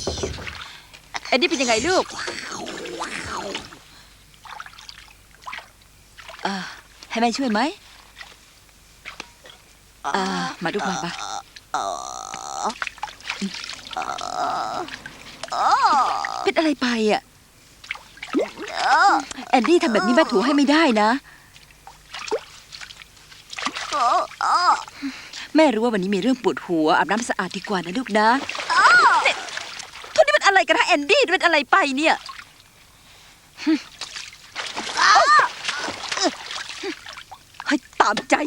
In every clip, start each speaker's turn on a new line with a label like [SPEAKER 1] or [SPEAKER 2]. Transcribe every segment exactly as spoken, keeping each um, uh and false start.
[SPEAKER 1] แอนดี้เป็นยังไงลูกเอ่อให้แม่ช่วยไหมอ่ามาดูมาปะเป็นอะไรไปอ่ะแอนดี้ทำแบบนี้แม่ถูให้ไม่ได้นะแม่รู้ว่าวันนี้มีเรื่องปวดหัวอาบน้ำสะอาดดีกว่านะลูกนะเนี่ยทุกนี่เป็นอะไรกันฮะแอนดี้เป็นอะไรไปเนี่ยให้ตามใจ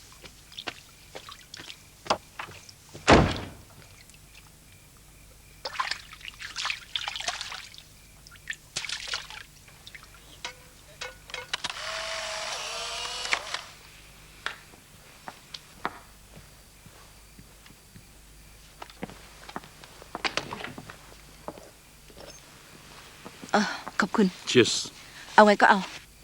[SPEAKER 1] ขอบคุณ
[SPEAKER 2] Cheers
[SPEAKER 1] เอาไงก็เอา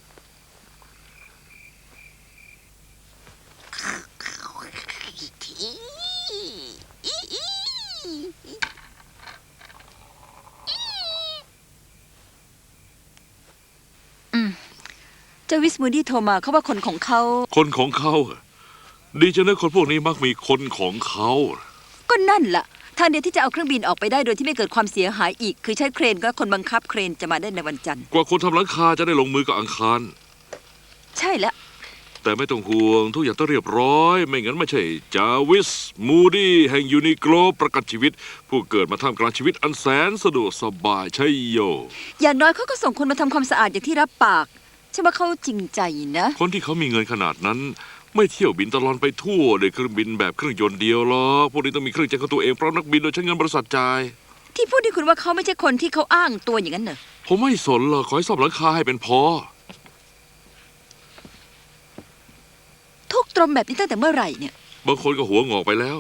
[SPEAKER 1] อืมเจ้าวิสมูดี้โทรมาเขาว่าคนของเขา
[SPEAKER 2] คนของเขาดีจังนะคนพวกนี้มักมีคนของเขา
[SPEAKER 1] ก็นั่นล่ะทางเดียวที่จะเอาเครื่องบินออกไปได้โดยที่ไม่เกิดความเสียหายอีกคือใช้เครนและคนบังคับเครนจะมาได้ในวันจันทร์
[SPEAKER 2] กว่าคนทำหลังคาจะได้ลงมือกับอังคาร
[SPEAKER 1] ใช่แล้ว
[SPEAKER 2] แต่ไม่ต้องห่วงทุกอย่างต้องเรียบร้อยไม่งั้นไม่ใช่จาวิสมูดี้แห่งยูนิโกลประกันชีวิตผู้เกิดมาท่ามกลางชีวิตอันแสนสะดวกสบายใช่โย
[SPEAKER 1] อย่างน้อยเขาก็ส่งคนมาทำความสะอาดอย่างที่รับปากใช่ไหมเขาจริงใจนะ
[SPEAKER 2] คนที่เขามีเงินขนาดนั้นไม่เที่ยวบินตลอดไปทั่วโดยเครื่องบินแบบเครื่องยนต์เดียวหรอกพวกนี้ต้องมีเครื่องจักรของตัวเองเพราะนักบินโดยใช้เงินบริษัทจ่าย
[SPEAKER 1] ที่พูดที่คุณว่าเขาไม่ใช่คนที่เขาอ้างตัวอย่างนั้นเหรอ
[SPEAKER 2] ผมไม่สนหรอกขอให้ซ่อมหลังคาให้เป็นพอ
[SPEAKER 1] ทุกตรมแบบนี้ตั้งแต่เมื่อไหร่เนี่ย
[SPEAKER 2] บางคนก็หัวงอกไปแล้ว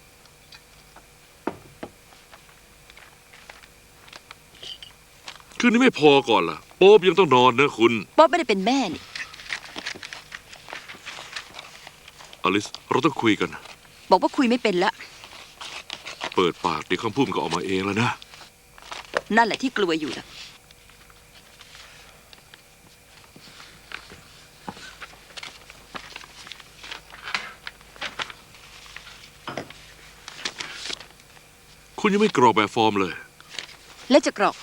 [SPEAKER 2] คืนนี้ไม่พอก่อนล่ะโป๊บยังต้องนอนนะคุณ
[SPEAKER 1] ป๊อบไม่ได้เป็นแม่นี่
[SPEAKER 2] อลิสเราต้องคุยกัน
[SPEAKER 1] บอกว่าคุยไม่เป็นละ
[SPEAKER 2] เปิดปากเดี๋ยวคำพูดมันก็ออกมาเองแล้วนะ
[SPEAKER 1] นั่นแหละที่กลัวอยู่นะ
[SPEAKER 2] คุณยังไม่กรอกแบบฟอร์มเลย
[SPEAKER 1] และจะกรอก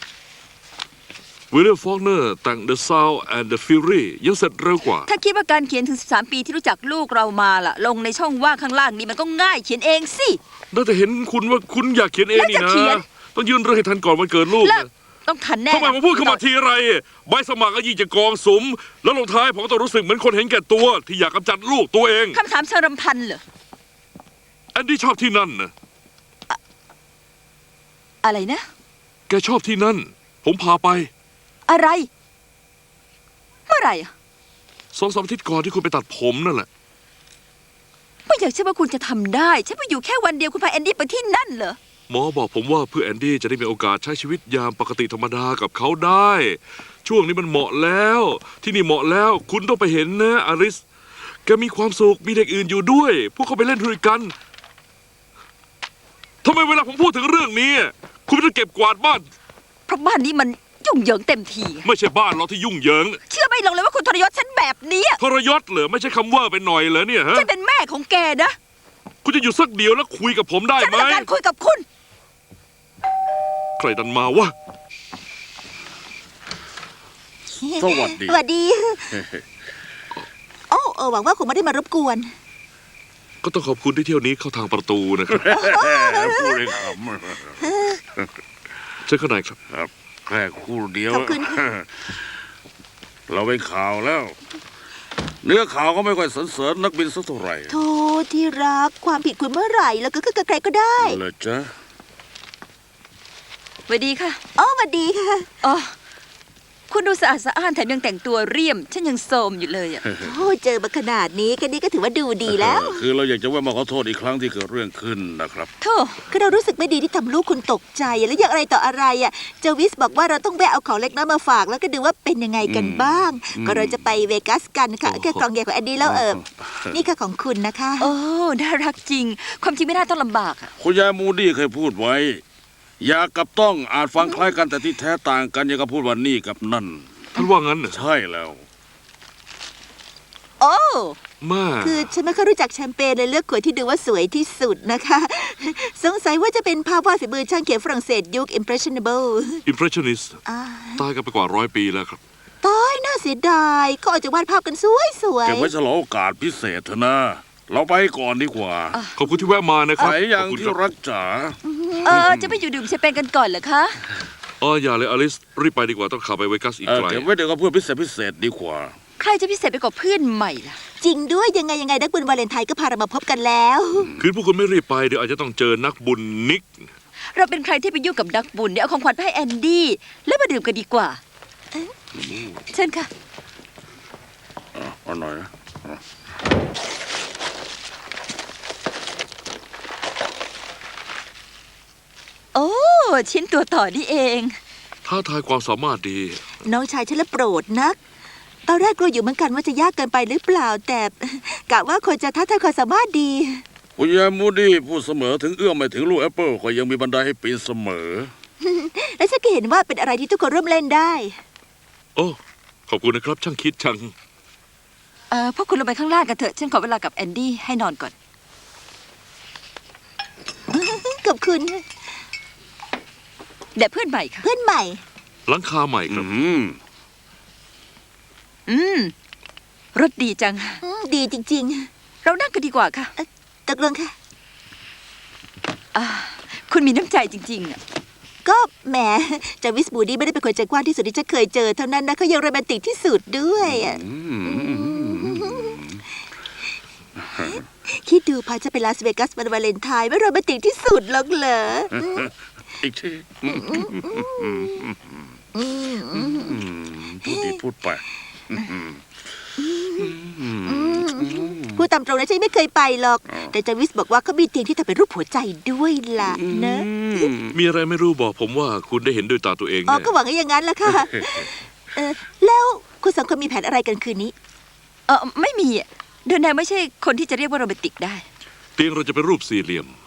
[SPEAKER 2] วิลเลียมฟอกเนอร์แต่ง The Sound and the Fury ยังเสร็จเร็วกว่า
[SPEAKER 1] ถ้าคิดว่าการเขียนถึงสิบสามปีที่รู้จักลูกเรามาล่ะลงในช่องว่างข้างล่างนี้มันก็ง่ายเขียนเองสิ
[SPEAKER 2] น่าจะเห็นคุณว่าคุณอยากเขียนเองนี่นะต้องยื่นเรื่องให้ทันก่อนวันเกิดลูก
[SPEAKER 1] ต้องทันแน่
[SPEAKER 2] ทำไมผมพูดเข้ามาทีไรใบสมัครก็ยิ่งจะกองสุมแล้วลงท้ายผมก็ต้องรู้สึกเหมือนคนเห็นแก่ตัวที่อยากกำจัดลูกตัวเอง
[SPEAKER 1] คำถามเชิงรำพันเหรอ
[SPEAKER 2] แอนดี้ชอบที่นั่นนะ
[SPEAKER 1] อะไรนะ
[SPEAKER 2] แกชอบที่นั่นผมพาไป
[SPEAKER 1] อะไรเมื่อไหร่
[SPEAKER 2] สองสามอาทิตย์ก่อนที่คุณไปตัดผมนั่นแหละ
[SPEAKER 1] ไม่อยากเชื่อว่าคุณจะทำได้ฉันไปอยู่แค่วันเดียวคุณพาแอนดี้ไปที่นั่นเหรอ
[SPEAKER 2] หมอบอกผมว่าเพื่อแอนดี้จะได้มีโอกาสใช้ชีวิตยามปกติธรรมดากับเขาได้ ช่วงนี้มันเหมาะแล้วที่นี่เหมาะแล้วคุณต้องไปเห็นนะอาริสแกมีความสุขมีเด็กอื่นอยู่ด้วยพวกเขาไปเล่นด้วยกันทำไมเวลาผมพูดถึงเรื่องนี้คุณไม่ต้องเก็บกวาดบ้าน
[SPEAKER 1] เพราะบ้านนี้มันยุ่งเหยิงเต็มที
[SPEAKER 2] ไม่ใช่บ้านเราที่ยุ่งเหยิง
[SPEAKER 1] เชื่อไม่ลงเลยว่าคุณทรยศฉันแบบนี้
[SPEAKER 2] ทรยศเหรอไม่ใช่คำว่าไปหน่อยเหรอเนี่ยฮะ
[SPEAKER 1] ฉันเป็นแม่ของแกนะ
[SPEAKER 2] คุณจะอยู่สักเดียวแล้วคุยกับผมได้ไหม
[SPEAKER 1] ฉันต้องการคุยกับคุณ
[SPEAKER 2] ใครดันมาวะ
[SPEAKER 3] สวัสดี
[SPEAKER 4] สวัสดีโอ้เออหวังว่าคงไม่ได้มารบกวน
[SPEAKER 2] ก็ต้องขอบคุณที่เที่ยวนี้เข้าทางประตูนะครับ
[SPEAKER 3] พูดเลยครับ
[SPEAKER 2] เชิญข้างในครับ
[SPEAKER 3] ครับแค่คู่เดียว
[SPEAKER 4] ขอบคุณ
[SPEAKER 3] เราไปข่าวแล้วเนื้อข่าวก็ไม่ค่อยสรรเสริญนักบินสักเท่าไหร่
[SPEAKER 4] โธ่ที่รักความผิดคุณเมื่อไหร่แล้วก็คือใครก็ได้
[SPEAKER 3] เลยจ้ะ
[SPEAKER 1] สวัสดีค่ะ
[SPEAKER 4] อ๋อสวัสดีค่ะ
[SPEAKER 1] อ๋อคุณดูสะอาดสะอ้านแถมยังแต่งตัวเรียมฉันยังโสมอยู่เลยอ่ะ
[SPEAKER 4] โอ้เจอมาขนาดนี้แค่นี้ก็ถือว่าดูดีแล้ว
[SPEAKER 3] คือเราอยากจะว่ามาขอโทษอีกครั้งที่เกิดเรื่องขึ้นนะครับ
[SPEAKER 1] โธ่
[SPEAKER 4] คือเรารู้สึกไม่ดีที่ทำลูกคุณตกใจแล้วอย่างอะไรต่ออะไรอ่ะเจวิสบอกว่าเราต้องแวะเอาของเล็กน้อยมาฝากแล้วก็ดูว่าเป็นยังไงกันบ้างก็เราจะไปเวกัสกันค่ะแค่กล่องใหญ่ของแอนดี้แล้วเออนี่ค่ะของคุณนะคะ
[SPEAKER 1] โอ้น่ารักจริงความจริงไม่น่าต้องลำบากอ่ะ
[SPEAKER 3] คุณยายมูดี้เคยพูดไว้อยากกับต้องอาจฟังคล้ายกันแต่ที่แท้ต่างกันอย่างกับพูดว่านี่กับนั่น
[SPEAKER 2] ท่านว่างั้นเหรอ
[SPEAKER 3] ใช่แล้ว
[SPEAKER 4] โอ้
[SPEAKER 2] แม่
[SPEAKER 4] คือฉันไม่ค่อยรู้จักแชมเปญเลยเลือกขวดที่ดูว่าสวยที่สุดนะคะ สงสัยว่าจะเป็นภาพวาดฝีมือช่างเขียนฝรั่งเศสยุค impressionable
[SPEAKER 2] อิมเพรสชันนิส
[SPEAKER 4] อ่า
[SPEAKER 2] ตายกันไปกว่าร้อยปีแล้วครับ
[SPEAKER 4] ตายน่าเสียดายเขาอาจจะวาดภาพกันสวยสวย
[SPEAKER 3] เก็บไว้ฉลองโอกาสพิเศษเถอะนะ เราไปก่อนดีกว่า
[SPEAKER 2] ขอบคุณที่แวะมานะค
[SPEAKER 3] ไห
[SPEAKER 2] รับ
[SPEAKER 3] นยัง
[SPEAKER 2] ขอบคุณ
[SPEAKER 3] ที่
[SPEAKER 2] ครับ
[SPEAKER 3] รักจ๋า
[SPEAKER 1] เออจะไปอยู่ดื่มแชมเปญกันก่อนเหรอคะ
[SPEAKER 2] อ๋ออย่าเลยอลิสรีบไปดีกว่าต้องขับไปเวกัสอีก
[SPEAKER 3] เออ
[SPEAKER 2] ไกล
[SPEAKER 3] เก็บไว้เดี๋ยวก็เพื่อพิเศษพิเศษดีกว่า
[SPEAKER 1] ใครจะพิเศษไปกว่าเพื่อนใหม่ล่ะ
[SPEAKER 4] จริงด้วยยังไงยังไงนักบุญวาเลนไทน์ก็พาเรามาพบกันแล้ว
[SPEAKER 2] คืนพวกคุณไม่รีบไปเดี๋ยวอาจจะต้องเจอนักบุญนิก
[SPEAKER 1] เราเป็นใครที่ไปยุ่งกับนักบุญเนี่ยเอาของขวัญไปให้แอนดี้แล้วมาดื่มกันดีกว่าเชิญค่ะ
[SPEAKER 3] อ่ะเอาหน่อยนะ
[SPEAKER 1] โอ้ชิ้นตัวต่อนี่เอง
[SPEAKER 2] ท้าทายความสามารถดี
[SPEAKER 4] น้องชายฉันละโปรดนัก ตอนแรกกลัวอยู่เหมือนกันว่าจะยากเกินไปหรือเปล่า แต่กะว่าคนจะท้าทายความสามารถดี
[SPEAKER 3] คุณยายมูดี้พูดเสมอถึงเอื้อมไม่ถึงลูกแอปเปิลก็ยังมีบันไดให้ปีนเสมอ
[SPEAKER 4] และฉันก็เห็นว่าเป็นอะไรที่ทุกคนร่วมเล่นได้
[SPEAKER 2] โอ้ขอบคุณนะครับช่างคิดช่าง
[SPEAKER 1] เออพวกคุณลงไปข้างล่างกันเถอะฉันขอเวลากับแอนดี้ให้นอนก่อน
[SPEAKER 4] ขอบคุณ
[SPEAKER 1] เดี๋ยวเพื่อนใหม่ค่ะ
[SPEAKER 4] เพื่อนใหม่
[SPEAKER 2] หลังคาใหม่ครับ
[SPEAKER 3] อืม
[SPEAKER 1] อืมรถดีจัง
[SPEAKER 4] อืมดีจริง
[SPEAKER 1] เรานั่งกันดีกว่าค่ะ
[SPEAKER 4] ๆตกลงค่ะ
[SPEAKER 1] อ่าคุณมีน้ำใจจริงๆอะ
[SPEAKER 4] ก็แหมจาวิสบูดี้ไม่ได้เป็นคนใจกว้างที่สุดที่ฉันเคยเจอเท่านั้นนะเขายังโรแมนติกที่สุดด้วยอะ
[SPEAKER 3] อืม
[SPEAKER 4] คิดดูพาจะไปลาสเวกัสวันวาเลนไทน์ไม่โรแมนติกที่สุดหรอกเหรอ
[SPEAKER 3] อีกทีพูดดีพูดไป
[SPEAKER 4] พูดตามตรงนะฉันไม่เคยไปหรอก แต่จาวิสบอกว่าเขามีเตียงที่ทำเป็นรูปหัวใจด้วยล่ะนะ
[SPEAKER 2] มีอะไรไม่รู้บอกผมว่าคุณได้เห็นด้วยตาตัวเอง
[SPEAKER 4] อ๋อ
[SPEAKER 2] แน่
[SPEAKER 4] ก็หวังว่าอย่างนั้นละค่ะเออแล้วคุณสองคนมีแผนอะไรกันคืนนี้
[SPEAKER 1] เออไม่มีอะเดนแนวไม่ใช่คนที่จะเรียกว่าโรแมนติกได้
[SPEAKER 2] เตียงเราจะเป็นรูปสี่เหลี่ยม